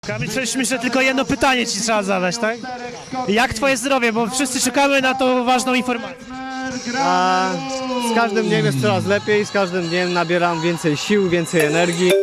Kamil, myślę, tylko jedno pytanie ci trzeba zadać, tak? Jak twoje zdrowie, bo wszyscy czekamy na tą ważną informację. Z każdym dniem jest coraz lepiej, z każdym dniem nabieram więcej sił, więcej energii.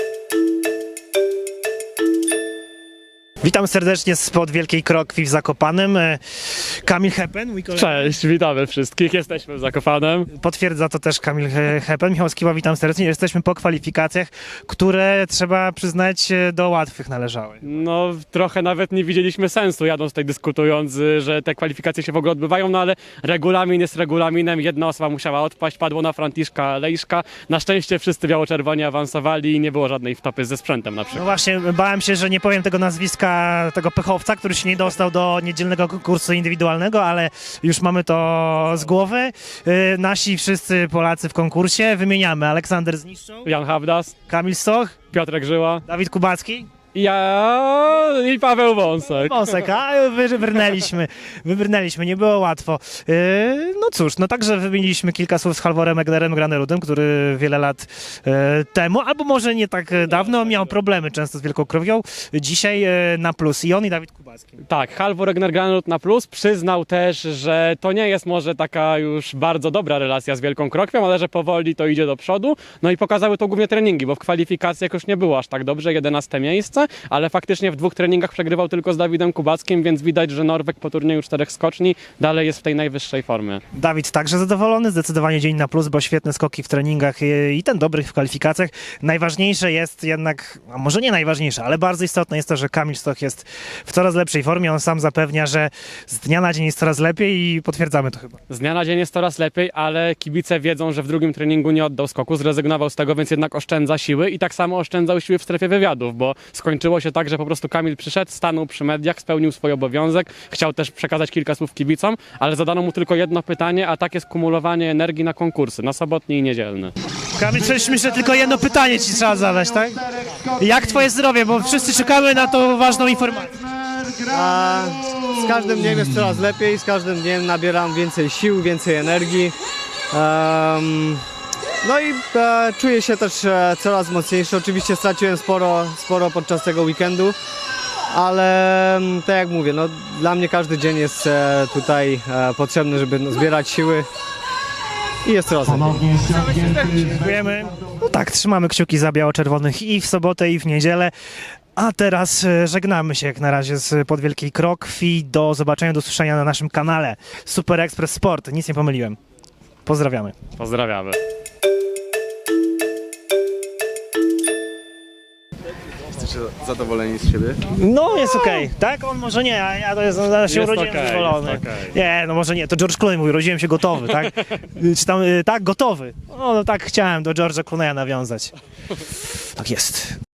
Witam serdecznie spod Wielkiej Krokwi w Zakopanem. Kamil Hepen, mój kolega. Cześć, witamy wszystkich, jesteśmy w Zakopanem. Potwierdza to też Kamil Hepen. Michał Skiba, witam serdecznie. Jesteśmy po kwalifikacjach, które trzeba przyznać do łatwych należały. No trochę nawet nie widzieliśmy sensu jadąc tutaj dyskutując, że te kwalifikacje się w ogóle odbywają, no ale regulamin jest regulaminem, jedna osoba musiała odpaść, padło na Franciszka Lejszka. Na szczęście wszyscy biało-czerwoni awansowali i nie było żadnej wtopy ze sprzętem na No przykład. właśnie, bałem się, że nie powiem tego nazwiska, tego pechowca, który się nie dostał do niedzielnego konkursu indywidualnego, ale już mamy to z głowy. Nasi wszyscy Polacy w konkursie wymieniamy: Aleksander Zniszczą, Jan Hawdas, Kamil Stoch, Piotrek Żyła, Dawid Kubacki, ja i Paweł Wąsek. Wąsek, a wybrnęliśmy, nie było łatwo. No cóż, no także wymieniliśmy kilka słów z Halvorem Egnerem Granerudem, który wiele lat temu, albo może nie tak dawno, miał problemy często z wielką krowią. Dzisiaj na plus i on, i Dawid Kubacki. Tak, Halvor Egner Granerud na plus przyznał też, że to nie jest może taka już bardzo dobra relacja z Wielką Krokwią, ale że powoli to idzie do przodu. No i pokazały to głównie treningi, bo w kwalifikacjach już nie było aż tak dobrze, 11 miejsce, ale faktycznie w 2 treningach przegrywał tylko z Dawidem Kubackim, więc widać, że Norweg po turnieju 4 skoczni dalej jest w tej najwyższej formie. Dawid także zadowolony, zdecydowanie dzień na plus, bo świetne skoki w treningach i ten dobry w kwalifikacjach. Najważniejsze jest jednak, a może nie najważniejsze, ale bardzo istotne jest to, że Kamil Stoch jest w coraz lepszej formie. On sam zapewnia, że z dnia na dzień jest coraz lepiej i potwierdzamy to chyba. Z dnia na dzień jest coraz lepiej, ale kibice wiedzą, że w drugim treningu nie oddał skoku, zrezygnował z tego, więc jednak oszczędza siły i tak samo oszczędzał siły w strefie wywiadów, bo skończyło się tak, że po prostu Kamil przyszedł, stanął przy mediach, spełnił swój obowiązek, chciał też przekazać kilka słów kibicom, ale zadano mu tylko jedno pytanie, a tak jest kumulowanie energii na konkursy, na sobotni i niedzielny. Kamil, myślę, tylko jedno pytanie ci trzeba zadać, tak? Jak twoje zdrowie, bo wszyscy czekamy na tą ważną informację. Z każdym dniem jest coraz lepiej, z każdym dniem nabieram więcej sił, więcej energii. No i czuję się też coraz mocniejszy. Oczywiście straciłem sporo podczas tego weekendu, ale tak jak mówię, no, dla mnie każdy dzień jest tutaj potrzebny, żeby zbierać siły i jest coraz lepiej. Dziękujemy. No tak, trzymamy kciuki za biało-czerwonych i w sobotę, i w niedzielę. A teraz żegnamy się jak na razie z pod Wielkiej Krokwi. Do zobaczenia, do usłyszenia na naszym kanale Super Express Sport. Nic nie pomyliłem. Pozdrawiamy. Pozdrawiamy. Jesteście zadowoleni z siebie? No, jest okej. Tak? On może nie, a ja to jest, ja się Jest urodziłem okej, zadowolony. jest okej. Nie, no może nie, to George Clooney mówi, urodziłem się gotowy, tak? Czy tam, tak, gotowy. No tak chciałem do George'a Clooney'a nawiązać. Tak jest.